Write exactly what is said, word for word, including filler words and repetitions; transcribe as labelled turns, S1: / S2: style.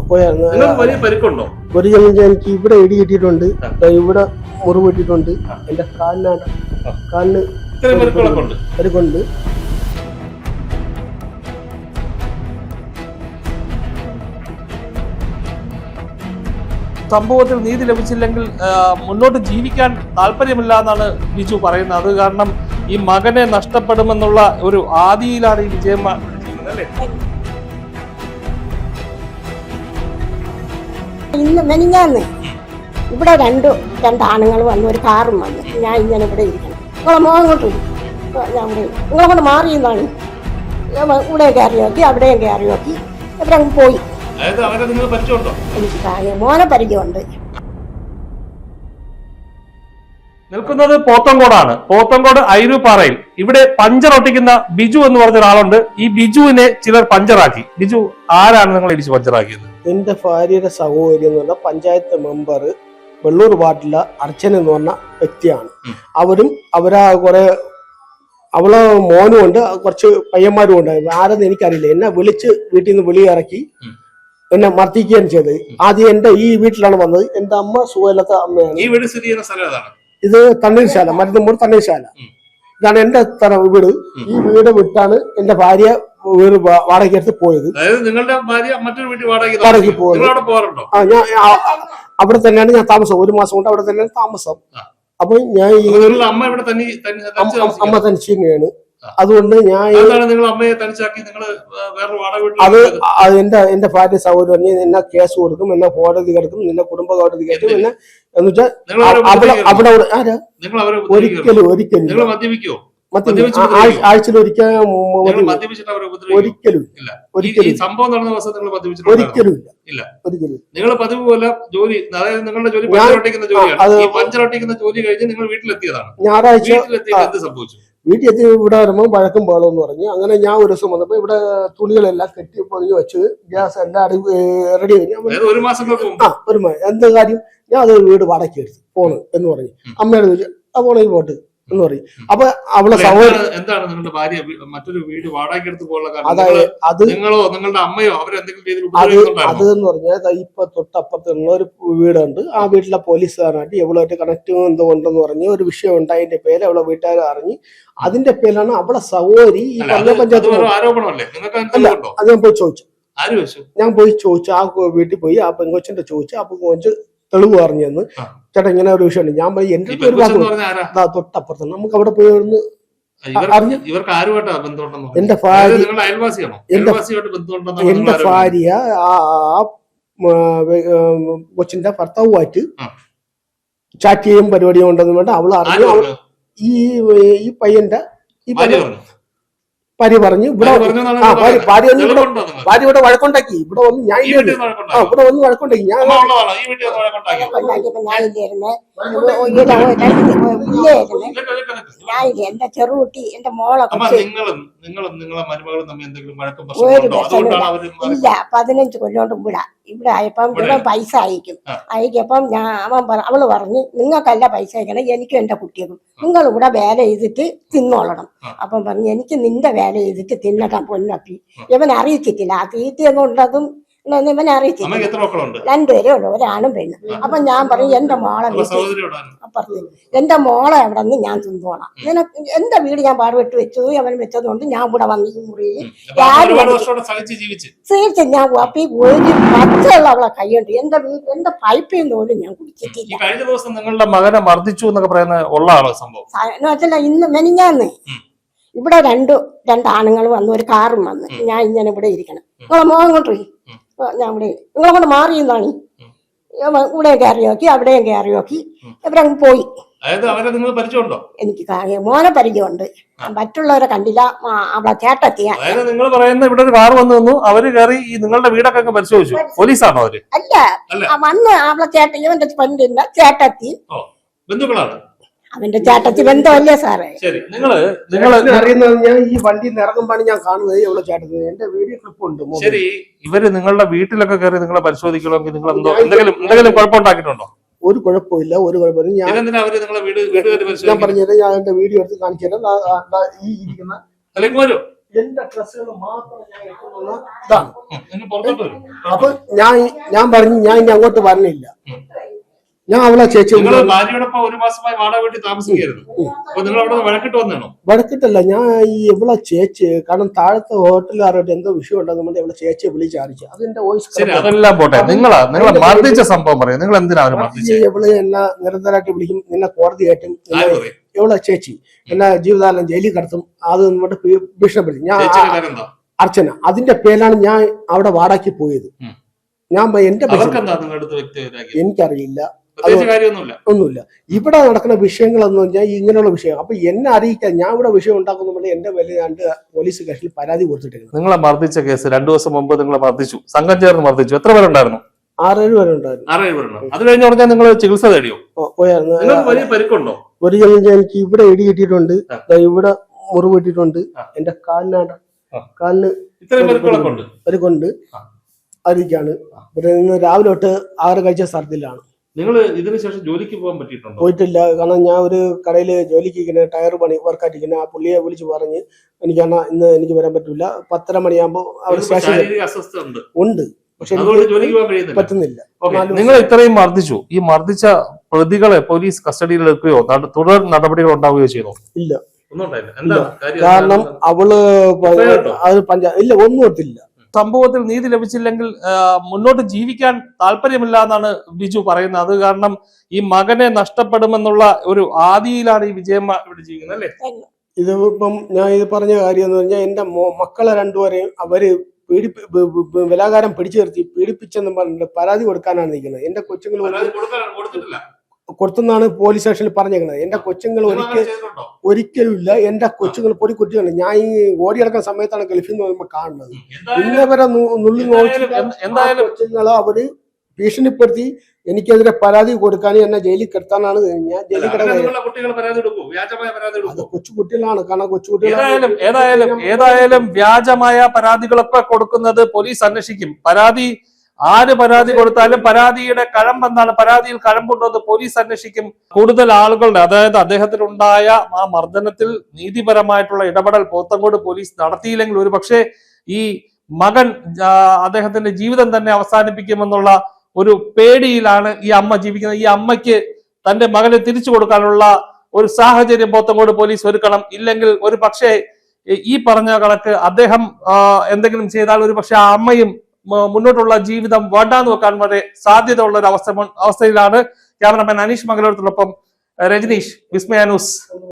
S1: പോയായിരുന്നു.
S2: വലിയ പരിക്കുണ്ടോ?
S1: ഒരു എനിക്ക് ഇവിടെ ഇടി കിട്ടിയിട്ടുണ്ട്, ഇവിടെ മുറിവ് കിട്ടിയിട്ടുണ്ട്, എന്റെ കാലിനാണ് കാലിന് പരിക്കുണ്ട്.
S2: സംഭവത്തിൽ നീതി ലഭിച്ചില്ലെങ്കിൽ മുന്നോട്ട് ജീവിക്കാൻ താല്പര്യമില്ല എന്നാണ് ബിജു പറയുന്നത്. അത് കാരണം ഈ മകനെ നഷ്ടപ്പെടുമെന്നുള്ള ഒരു ആദിയിലാണ് ഈ വിജയം അല്ലേ?
S3: ഇന്ന് മെനിഞ്ഞാന്ന് ഇവിടെ രണ്ടു രണ്ടാണുങ്ങൾ വന്നു, ഒരു കാറും വന്നു. ഞാൻ ഇങ്ങനെ ഇവിടെ ഇരിക്കണം, നിങ്ങളെ മോൻ കൊണ്ട് ഞാൻ നിങ്ങളെ കൊണ്ട് മാറിയെന്നാണ്. ഇവിടെ കയറി നോക്കി, അവിടെയും കയറി നോക്കി, ഇവരങ്ങ് പോയി. എനിക്ക് മോനെ പരിചയമുണ്ട്.
S2: നിൽക്കുന്നത് പോത്തങ്കോടാണ്. പോത്തങ്കോട് ഐരൂപ്പാറയിൽ ഇവിടെ പഞ്ചർ ഒട്ടിക്കുന്ന ബിജു എന്ന് പറഞ്ഞ ഒരാളുണ്ട്. ഈ ബിജുവിനെ ചിലർ പഞ്ചറാക്കി. ബിജു ആരാണ് നിങ്ങൾ ഇടിച്ച് പഞ്ചറാക്കിയത്?
S1: എന്റെ ഭാര്യയുടെ സഹോദരി എന്ന് പറഞ്ഞ പഞ്ചായത്ത് മെമ്പർ വെള്ളൂർ വാർഡിലെ അർച്ചന എന്ന് പറഞ്ഞ വ്യക്തിയാണ്. അവരും അവരാ കുറെ അവളെ മോനും ഉണ്ട്, കുറച്ച് പയ്യന്മാരും ഉണ്ട്. ആരെന്ന് എനിക്കറിയില്ല. എന്നെ വിളിച്ച് വീട്ടിൽ നിന്ന് വെളിയിറക്കി എന്നെ മർദ്ദിക്കുകയാണ് ചെയ്തത്. ആദ്യം എന്റെ ഈ വീട്ടിലാണ് വന്നത്. എന്റെ അമ്മ സുഖമില്ലാത്ത അമ്മയാണ്. ഇത് തണ്ണീർശാല, മരുന്നുമ്പോൾ തണ്ണീർശാല. ഇതാണ് എന്റെ വീട്. ഈ വീട് വിട്ടാണ് എന്റെ ഭാര്യ വീട് വാടകയ്ക്ക് പോയത്. വാടകയ്ക്ക് പോയത്. ആ ഞാൻ അവിടെ തന്നെയാണ് ഞാൻ താമസം. ഒരു മാസം കൊണ്ട് അവിടെ തന്നെയാണ് താമസം. അപ്പൊ ഞാൻ അമ്മ തനിച്ച് തന്നെയാണ്. അതുകൊണ്ട് ഞാൻ അത് എന്റെ എന്റെ ഭാര്യ സഹോദരൻ പറഞ്ഞ് എന്നെ കേസ് കൊടുക്കും, എന്നെ കോടതി കിടക്കും, നിന്നെ കുടുംബ കോടതി കിടക്കും എന്നെ എന്ന് വെച്ചാൽ അവിടെ അവിടെ ആരാ ഒരിക്കലും ഒരിക്കലും ആഴ്ചയിൽ ഒരിക്കൽ ഒരിക്കലും ഒരിക്കലും ഒരിക്കലും ഇല്ല ഒരിക്കലും.
S2: നിങ്ങൾ പതിവ് പോലെ ജോലി, അതായത് നിങ്ങളുടെ ജോലി പഞ്ചറൊട്ടിക്കുന്ന ജോലിയാണ്. ഈ പഞ്ചറൊട്ടിക്കുന്ന ജോലി കഴിഞ്ഞ് നിങ്ങൾ വീട്ടിലെത്തിയതാണ്.
S1: ഞായറാഴ്ച
S2: എന്ത് സംഭവിച്ചു?
S1: വീട്ടിൽ എത്തി ഇവിടെ വരുമ്പോൾ വഴക്കും പാടും എന്ന് പറഞ്ഞു. അങ്ങനെ ഞാൻ ഒരു ദിവസം വന്നപ്പോ ഇവിടെ തുണികളെല്ലാം കെട്ടി പൊതിഞ്ഞ് വെച്ച് ഗ്യാസ് എല്ലാം അടി റെഡി കഴിഞ്ഞു.
S2: ഒരു മാസം
S1: ആ ഒരു മാസം എന്താ കാര്യം, ഞാൻ അതൊരു വീട് വാടകയ്ക്ക് എടുത്തു പോണ് എന്ന് പറഞ്ഞു. അമ്മയോട് ചോദിച്ചു, ആ പോണെങ്കിൽ പോട്ട് എന്ന് പറയും. അപ്പൊ അവളെ സഹോദരൻ
S2: എന്താണ് നിങ്ങളുടെ ഭാര്യ മറ്റൊരു വീട് വാടകയ്ക്ക് എടുത്ത് പോകാനുള്ള അത് നിങ്ങളോ നിങ്ങളുടെ അമ്മയോ അവരെന്തെങ്കിലും
S1: അത് അത് എന്ന് പറഞ്ഞാൽ ഇപ്പൊ തൊട്ടപ്പുറത്തുള്ള ഒരു വീടുണ്ട്. ആ വീട്ടിലെ പോലീസുകാരനായിട്ട് എവളുമായിട്ട് കണക്ട് എന്തോ ഉണ്ടെന്ന് പറഞ്ഞ് ഒരു വിഷയം ഉണ്ടായതിന്റെ പേര് അവളെ വീട്ടുകാർ അറിഞ്ഞ് അതിന്റെ പേരിലാണ് അവളെ സഹോദരി ഈ പറഞ്ഞ പഞ്ചായത്ത്. അത് ഞാൻ പോയി ചോദിച്ചു ഞാൻ പോയി ചോദിച്ചു ആ വീട്ടിൽ പോയി ആ പെങ്കൊച്ചിന്റെ ചോദിച്ചു. ആ പെങ്കൊച്ച് തെളിവ് പറഞ്ഞു തന്നു, ചേട്ടാ ഇങ്ങനെ ഒരു വിഷയമുണ്ട്. ഞാൻ പോയി എന്റെ ഒരു തൊട്ടപ്പുറത്ത് നമുക്ക് അവിടെ പോയി എന്റെ ഭാര്യ എന്റെ എന്റെ ഭാര്യ ആ കൊച്ചിന്റെ ഭർത്താവുമായിട്ട് ചാറ്റ് ചെയ്യും പരിപാടിയും ഉണ്ടെന്ന് വേണ്ട അവള് അറിഞ്ഞു. ഈ ഈ പയ്യന്റെ ഈ ഭാര്യ പറഞ്ഞു ഇവിടെ ആ ഭാര്യ ഭാര്യ ഭാര്യ ഇവിടെ വഴക്കുണ്ടാക്കി. ഇവിടെ വന്ന് ഞാൻ ആ ഇവിടെ വന്ന് വഴക്കുണ്ടാക്കി. ഞാൻ
S3: എന്റെ ചെറുകുട്ടി എന്റെ മോളെ ഇല്ല പതിനഞ്ച് കൊല്ലോണ്ട് ഇവിടെ ഇവിടെ ആയപ്പം ഇവിടെ പൈസ അയക്കും. അയക്കപ്പം ഞാൻ അവൻ അവള് പറഞ്ഞു നിങ്ങൾക്കല്ല പൈസ അയക്കണം, എനിക്കും എന്റെ കുട്ടികൾക്കും. നിങ്ങൾ ഇവിടെ വേല ചെയ്തിട്ട് തിന്നോളണം. അപ്പം പറഞ്ഞു എനിക്ക് നിന്റെ വേല ചെയ്തിട്ട് തിന്നട്ടാ പൊന്നപ്പി. ഇവൻ അറിയിച്ചിട്ടില്ല ആ തീറ്റയൊന്നും ഉള്ളതും ഇവനെ അറിയിച്ചിട്ടില്ല. രണ്ടുപേരേ ഉള്ളു, ഒരാണും പെണ്ണും. അപ്പൊ ഞാൻ പറയും എന്റെ മോളെ അപ്പുറത്ത് എന്റെ മോളെ എവിടെ നിന്ന് ഞാൻ തിന്നോളാം. നിനക്ക് എന്റെ വീട് ഞാൻ പാടുപെട്ട് വെച്ചു, അവൻ വെച്ചതുകൊണ്ട് ഞാൻ ഇവിടെ വന്ന് ഈ മുറിയിൽ സേവിച്ച് ഞാൻ അപ്പി ഒരു പച്ചയുള്ള അവളെ കൈയുണ്ട്. എന്റെ വീട് എന്റെ പൈപ്പിൽ നിന്ന് പോലും ഞാൻ കുടിച്ചിട്ടില്ല.
S2: കഴിഞ്ഞ ദിവസം നിങ്ങളുടെ മകനെ മർദ്ദിച്ചു എന്നൊക്കെ പറയുന്ന ഉള്ളതാണോ സംഭവം?
S3: എന്ന് വെച്ചാൽ ഇന്ന് മെനിഞ്ഞാന്ന് ഇവിടെ രണ്ടു രണ്ടാണുങ്ങൾ വന്നു, ഒരു കാറും വന്ന്. ഞാൻ ഇങ്ങനെ ഇവിടെ ഇരിക്കണം, നിങ്ങളെ മോൻ കൊണ്ട് ഞാൻ ഇവിടെ നിങ്ങളെ കൊണ്ട് മാറിയെന്നാണ്. ഇവിടെ കയറി നോക്കി, അവിടെയും കയറി നോക്കി, ഇവരങ്ങ് പോയി. എനിക്ക് മോനെ പരിചയമുണ്ട്, മറ്റുള്ളവരെ കണ്ടില്ല. അവളെ ചേട്ടത്തിയാ
S2: നിങ്ങൾ പറയുന്ന ഇവിടെ ഒരു കാർ വന്നു നിന്നു, അവര് കയറി നിങ്ങളുടെ വീടൊക്കെ പരിശോധിച്ചു. പോലീസാണോ അവര്?
S3: അല്ല, വന്ന് അവളെ ചേട്ട ഇവന്റെ പെണ്ണിന്റെ ചേട്ടത്തി
S2: ബന്ധുക്കളാണ്.
S3: അവന്റെ ചേട്ടത്തി ബന്ധമല്ലേ സാറേ?
S2: ശരി, നിങ്ങള് നിങ്ങൾ
S1: അറിയുന്നത് ഞാൻ ഈ വണ്ടി ഇറങ്ങുമ്പോഴാണ് ഞാൻ കാണുന്നത് എവിടെ ചേട്ടത്തി. എന്റെ വീഡിയോ ക്ലിപ്പ് ഉണ്ട്.
S2: ശരി, ഇവര് നിങ്ങളുടെ വീട്ടിലൊക്കെ കയറി നിങ്ങളെ പരിശോധിക്കണമെങ്കിൽ നിങ്ങൾ എന്തോ എന്തെങ്കിലും എന്തെങ്കിലും കുഴപ്പമുണ്ടാക്കിയിട്ടുണ്ടോ?
S1: ഒരു കുഴപ്പമില്ല, ഒരു കുഴപ്പമില്ല. ഞാൻ ഞാൻ പറഞ്ഞത് ഞാൻ എന്റെ വീഡിയോ എടുത്ത് കാണിച്ചു തരാം. ഈ ഇരിക്കുന്ന എന്റെ ഡ്രസ്സുകൾ മാത്രം ഞാൻ എടുക്കുന്ന ഇതാണ്.
S2: ഉം. നിങ്ങൾ പുറത്തോട്ട് വരും.
S1: അപ്പൊ ഞാൻ ഞാൻ പറഞ്ഞു ഞാൻ ഇനി അങ്ങോട്ട് വരണില്ല. ഞാൻ അവളെ ചേച്ചി
S2: നിങ്ങൾ ഭാര്യയോടൊപ്പം ഒരു മാസമായി വാടക വീട്ടിൽ താമസിക്കായിരുന്നു. അപ്പൊ നിങ്ങൾ അവിടെ വഴക്കിട്ട് വന്നാണോ?
S1: വഴക്കിട്ടല്ല, ഞാൻ ഈ ഇവളെ ചേച്ചി, കാരണം താഴത്തെ ഹോട്ടലുകാരോട്ട് എന്തോ വിഷയം ഉണ്ടെന്നുണ്ടെങ്കിൽ ഇവളെ ചേച്ചിയെ വിളിച്ചറിയിച്ചു. അതിന്റെ വോയിസ്
S2: ശരി, അതെല്ലാം പോട്ടെ. നിങ്ങളാ നിങ്ങളെ മർദ്ദിച്ച സംഭവം പറയും. നിങ്ങൾ എന്തിനാ അവര് മർദ്ദിച്ചത്?
S1: ഇവള് എന്നെ നിരന്തരമായിട്ട് വിളിക്കും, നിന്നെ കോടതി കയറ്റും,
S2: ആര് പറയും?
S1: ഇവളെ ചേച്ചി എന്നെ ജീവിതകാലം ജയിലിൽ കടത്തും, അത് എന്നിട്ട് ഭീഷണിപ്പെടുത്തി. ഞാൻ
S2: ചേച്ചിയുടെ പേരെന്താ?
S1: അർച്ചന. അതിന്റെ പേരിലാണ് ഞാൻ അവിടെ വാടാക്കി പോയത്. ഞാൻ എന്റെ പൈസ
S2: അവർക്കെന്താ നിങ്ങളുടെ അടുത്ത് വ്യക്തിപരമാക്കി?
S1: എനിക്കറിയില്ല,
S2: പ്രത്യേകിച്ച് കാര്യമൊന്നുമില്ല.
S1: ഒന്നുമില്ല. ഇവിടെ നടക്കുന്ന വിഷയങ്ങളെന്ന് പറഞ്ഞാൽ ഇങ്ങനെയുള്ള വിഷയം. അപ്പൊ എന്നെ അറിയിക്കാൻ ഞാൻ ഇവിടെ വിഷയം ഉണ്ടാക്കുന്നുണ്ടെങ്കിൽ എന്റെ വലിയ രണ്ട് പോലീസ് സ്റ്റേഷനിൽ പരാതി കൊടുത്തിട്ടുണ്ട്.
S2: നിങ്ങളെ മർദ്ദിച്ച കേസ് രണ്ടു ദിവസം മുമ്പ് നിങ്ങളെ മർദ്ദിച്ചു, സംഘം ചേർന്ന് മർദ്ദിച്ചു. എത്ര പേരുണ്ടായിരുന്നു?
S1: ആറേഴ് പേര് ഉണ്ടായിരുന്നു.
S2: ആറേഴ് പേരുണ്ടോ? അത് കഴിഞ്ഞ് പറഞ്ഞാൽ നിങ്ങൾ ചികിത്സ തേടിയോ?
S1: പോയായിരുന്നു.
S2: നിങ്ങൾക്ക് വലിയ പരിക്കുണ്ടോ?
S1: ഒരു ജനം എനിക്ക് ഇവിടെ ഇടി കിട്ടിയിട്ടുണ്ട്, ഇവിടെ മുറിവ് കിട്ടിയിട്ടുണ്ട്, എന്റെ കാലിനാണ് കാലിന്
S2: ഇത്രയും പരിക്കുകളൊക്കെ ഉണ്ട്.
S1: പരിക്കുണ്ട്. അറിയിക്കാണ്. ഇവിടെ നിന്ന് രാവിലെ തൊട്ട് ആറ് കഴിച്ച സ്ഥലത്തിലാണ്.
S2: നിങ്ങൾ ഇതിന് ശേഷം ജോലിക്ക് പോകാൻ പറ്റിയിട്ടുണ്ടോ?
S1: പോയിട്ടില്ല. കാരണം ഞാൻ ഒരു കടയിൽ ജോലിക്ക് ഇങ്ങനെ ടയർ പണി വർക്കായിട്ടിരിക്കുന്ന ആ പുള്ളിയെ വിളിച്ച് പറഞ്ഞ് എനിക്കാണ് ഇന്ന് എനിക്ക് വരാൻ പറ്റില്ല, പത്തര മണിയാകുമ്പോൾ അവർ സ്റ്റേഷനിൽ
S2: അസ്വസ്ഥ ഉണ്ട്
S1: ഉണ്ട് പക്ഷെ
S2: ജോലിക്ക് പോകാൻ കഴിയുന്നില്ല.
S1: പറ്റുന്നില്ല.
S2: നിങ്ങൾ ഇത്രയും മർദ്ദിച്ചു, ഈ മർദ്ദിച്ച പ്രതികളെ പോലീസ് കസ്റ്റഡിയിൽ എടുക്കുകയോ തുടർ നടപടികൾ ഉണ്ടാവുകയോ ചെയ്തോ?
S1: ഇല്ല,
S2: ഒന്നും ഉണ്ടായില്ല. എന്താ കാര്യം?
S1: കാരണം അവള് അത് പഞ്ചായത്ത് ഇല്ല, ഒന്നും എടുത്തില്ല.
S2: സംഭവത്തിൽ നീതി ലഭിച്ചില്ലെങ്കിൽ മുന്നോട്ട് ജീവിക്കാൻ താല്പര്യമില്ല എന്നാണ് ബിജു പറയുന്നത്. അത് കാരണം ഈ മകനെ നഷ്ടപ്പെടുമെന്നുള്ള ഒരു ആദിയിലാണ് ഈ വിജയമ്മ ഇവിടെ ജീവിക്കുന്നത്, അല്ലേ?
S1: ഇത് ഇപ്പം ഞാൻ ഇത് പറഞ്ഞ കാര്യം എന്ന് പറഞ്ഞാൽ എന്റെ മക്കളെ രണ്ടുപേരെയും അവര് പീഡിപ്പി ബലാകാരം പിടിച്ചു നിർത്തി പീഡിപ്പിച്ചെന്ന് പറഞ്ഞിട്ട് പരാതി കൊടുക്കാനാണ് നിൽക്കുന്നത്. എന്റെ കൊച്ചുങ്ങൾ കൊടുത്തെന്നാണ് പോലീസ് സ്റ്റേഷനിൽ പറഞ്ഞേക്കുന്നത്. എന്റെ കൊച്ചുങ്ങൾ ഒരിക്കൽ ഒരിക്കലും ഇല്ല. എന്റെ കൊച്ചുങ്ങൾ പൊടി കുട്ടികളുണ്ട്. ഞാൻ ഈ ഓടിയെടുക്കുന്ന സമയത്താണ് ഗൾഫിൽ നിന്ന് വരുമ്പോൾ കാണുന്നത്. ഇന്നവരെ നുള്ളി നോക്കിയാലും കൊച്ചുങ്ങളെ അവര് ഭീഷണിപ്പെടുത്തി എനിക്കെതിരെ പരാതി കൊടുക്കാനും എന്നെ ജയിലിൽ കിടത്താനാണ് ഞാൻ ജയിലിൽ കിടക്കുന്നത്. കൊച്ചു കുട്ടികളാണ്. കാരണം കൊച്ചു കുട്ടികളായാലും
S2: ഏതായാലും ഏതായാലും വ്യാജമായ പരാതികളൊക്കെ കൊടുക്കുന്നത് പോലീസ് അന്വേഷിക്കും. പരാതി ആര് പരാതി കൊടുത്താലും പരാതിയുടെ കഴമ്പെന്താണ്, പരാതിയിൽ കഴമ്പുണ്ടോ പോലീസ് അന്വേഷിക്കും. കൂടുതൽ ആളുകളുടെ, അതായത് അദ്ദേഹത്തിനുണ്ടായ ആ മർദ്ദനത്തിൽ നീതിപരമായിട്ടുള്ള ഇടപെടൽ പോത്തങ്കോട് പോലീസ് നടത്തിയില്ലെങ്കിൽ ഒരു പക്ഷേ ഈ മകൻ അദ്ദേഹത്തിന്റെ ജീവിതം തന്നെ അവസാനിപ്പിക്കുമെന്നുള്ള ഒരു പേടിയിലാണ് ഈ അമ്മ ജീവിക്കുന്നത്. ഈ അമ്മയ്ക്ക് തന്റെ മകനെ തിരിച്ചു കൊടുക്കാനുള്ള ഒരു സാഹചര്യം പോത്തങ്കോട് പോലീസ് ഒരുക്കണം. ഇല്ലെങ്കിൽ ഒരു പക്ഷേ ഈ പറഞ്ഞ കണക്ക് അദ്ദേഹം എന്തെങ്കിലും ചെയ്താൽ ഒരു പക്ഷെ ആ അമ്മയും മുന്നോട്ടുള്ള ജീവിതം വേണ്ടാന്ന് വെക്കാൻ വരെ സാധ്യത ഉള്ള ഒരു അവസ്ഥ അവസ്ഥയിലാണ്. ക്യാമറമാൻ അനീഷ് മംഗലത്തിനൊപ്പം രജനീഷ്, വിസ്മയ ന്യൂസ്.